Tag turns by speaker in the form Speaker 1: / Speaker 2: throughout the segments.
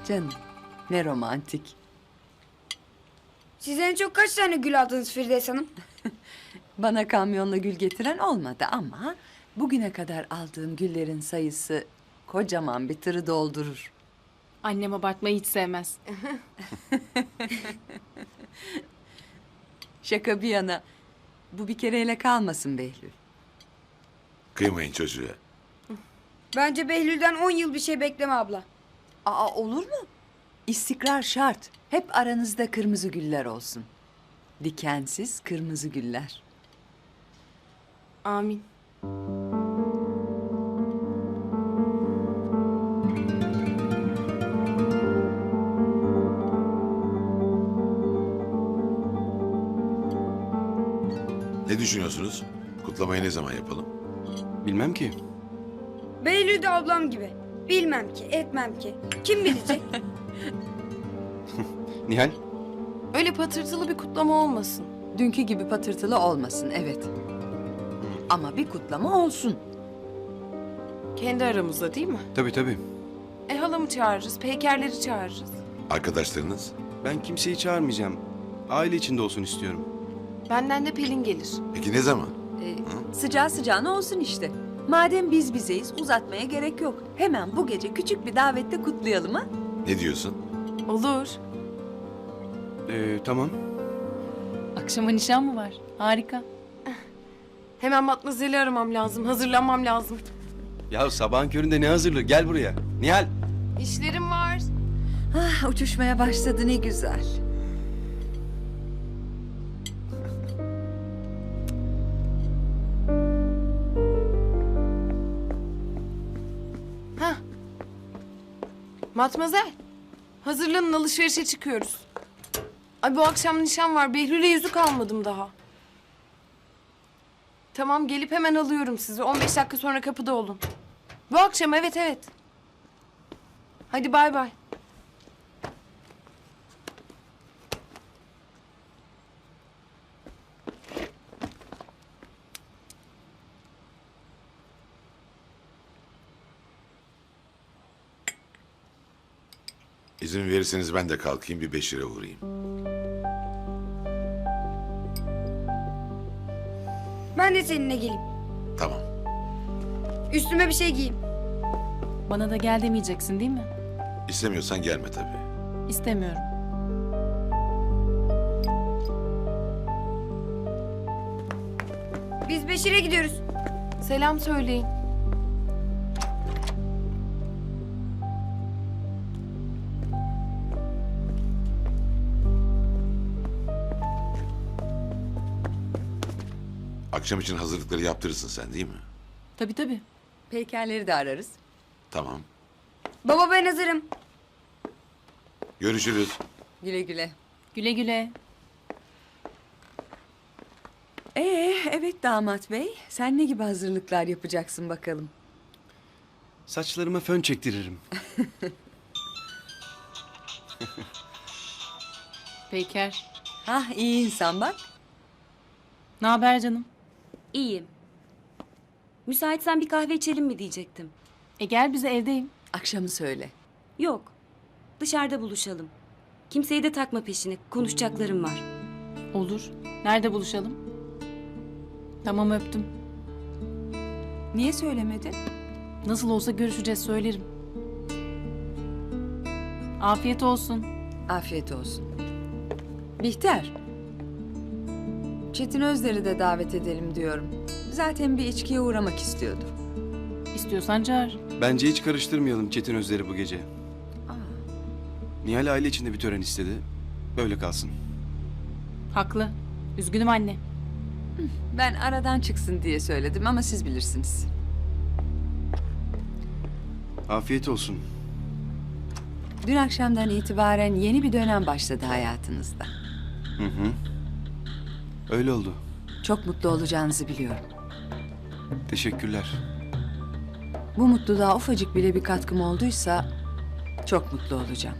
Speaker 1: Canım, ne romantik.
Speaker 2: Siz en çok kaç tane gül aldınız Firdevs Hanım?
Speaker 1: Bana kamyonla gül getiren olmadı ama bugüne kadar aldığım güllerin sayısı kocaman bir tırı doldurur.
Speaker 3: Annem abartmayı hiç sevmez.
Speaker 1: Şaka bir yana, bu bir kereyle kalmasın Behlül.
Speaker 4: Kıymayın çocuğa.
Speaker 2: Bence Behlül'den 10 yıl bir şey bekleme abla.
Speaker 1: Aa, olur mu? İstikrar şart. Hep aranızda kırmızı güller olsun. Dikensiz kırmızı güller.
Speaker 3: Amin.
Speaker 4: Ne düşünüyorsunuz? Kutlamayı ne zaman yapalım?
Speaker 5: Bilmem ki.
Speaker 2: Behlül de ablam gibi. Bilmem ki, etmem ki. Kim bilecek?
Speaker 5: Nihal,
Speaker 3: Öyle patırtılı bir kutlama olmasın.
Speaker 1: Dünkü gibi patırtılı olmasın, evet. Ama bir kutlama olsun.
Speaker 3: Kendi aramızda değil mi?
Speaker 5: tabii.
Speaker 3: Halamı çağırırız, peykerleri çağırırız.
Speaker 4: Arkadaşlarınız?
Speaker 5: Ben kimseyi çağırmayacağım. Aile içinde olsun istiyorum.
Speaker 3: Benden de Pelin gelir.
Speaker 4: Peki ne zaman?
Speaker 1: Sıcağı sıcağına olsun işte. Madem biz bizeyiz, uzatmaya gerek yok. Hemen bu gece küçük bir davette kutlayalım ha?
Speaker 4: Ne diyorsun?
Speaker 3: Olur.
Speaker 5: Tamam.
Speaker 6: Akşama nişan mı var? Harika.
Speaker 3: Hemen Matmazel'i aramam lazım, hazırlanmam lazım.
Speaker 5: Ya sabahın köründe ne hazırlığı? Gel buraya. Nihal.
Speaker 3: İşlerim var.
Speaker 1: Ah, uçuşmaya başladı, ne güzel.
Speaker 3: Matmazel, hazırlanın alışverişe çıkıyoruz. Ay bu akşam nişan var, Behlül'e yüzük almadım daha. Tamam gelip hemen alıyorum sizi. 15 dakika sonra kapıda olun. Bu akşam evet. Hadi bay bay.
Speaker 4: İzin verirseniz ben de kalkayım bir Beşir'e uğrayayım.
Speaker 2: Ben de seninle geleyim.
Speaker 4: Tamam.
Speaker 2: Üstüme bir şey giyeyim.
Speaker 6: Bana da gel demeyeceksin değil mi?
Speaker 4: İstemiyorsan gelme tabii.
Speaker 6: İstemiyorum.
Speaker 2: Biz Beşir'e gidiyoruz.
Speaker 3: Selam söyleyin.
Speaker 4: Akşam için hazırlıkları yaptırırsın sen değil mi?
Speaker 6: Tabii.
Speaker 1: Peykerleri de ararız.
Speaker 4: Tamam.
Speaker 2: Baba ben hazırım.
Speaker 4: Görüşürüz.
Speaker 1: Güle güle.
Speaker 6: Güle güle.
Speaker 1: Evet damat bey. Sen ne gibi hazırlıklar yapacaksın bakalım?
Speaker 5: Saçlarıma fön çektiririm.
Speaker 6: Peyker.
Speaker 1: Hah, iyi insan bak.
Speaker 6: Ne haber canım?
Speaker 7: İyiyim. Müsaitsen bir kahve içelim mi diyecektim.
Speaker 6: Gel bize, evdeyim.
Speaker 1: Akşamı söyle.
Speaker 7: Yok. Dışarıda buluşalım. Kimseyi de takma peşine. Konuşacaklarım var.
Speaker 6: Olur. Nerede buluşalım? Tamam, öptüm.
Speaker 1: Niye söylemedin?
Speaker 6: Nasıl olsa görüşeceğiz, söylerim. Afiyet olsun.
Speaker 1: Afiyet olsun. Bihter. Çetin Özler'i de davet edelim diyorum. Zaten bir içkiye uğramak istiyordu.
Speaker 6: İstiyorsan çağır.
Speaker 5: Bence hiç karıştırmayalım Çetin Özler'i bu gece. Nihal aile içinde bir tören istedi. Böyle kalsın.
Speaker 6: Haklı. Üzgünüm anne.
Speaker 1: Ben aradan çıksın diye söyledim ama siz bilirsiniz.
Speaker 5: Afiyet olsun.
Speaker 1: Dün akşamdan itibaren yeni bir dönem başladı hayatınızda.
Speaker 5: Öyle oldu.
Speaker 1: Çok mutlu olacağınızı biliyorum.
Speaker 5: Teşekkürler.
Speaker 1: Bu mutluluğa ufacık bile bir katkım olduysa çok mutlu olacağım.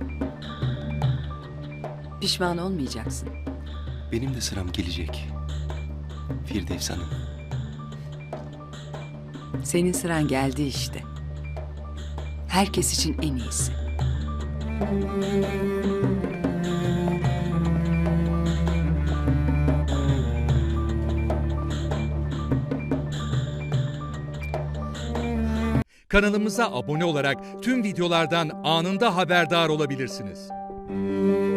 Speaker 1: Pişman olmayacaksın.
Speaker 5: Benim de sıram gelecek. Firdevs Hanım.
Speaker 1: Senin sıran geldi işte. Herkes için en iyisi.
Speaker 8: Kanalımıza abone olarak tüm videolardan anında haberdar olabilirsiniz.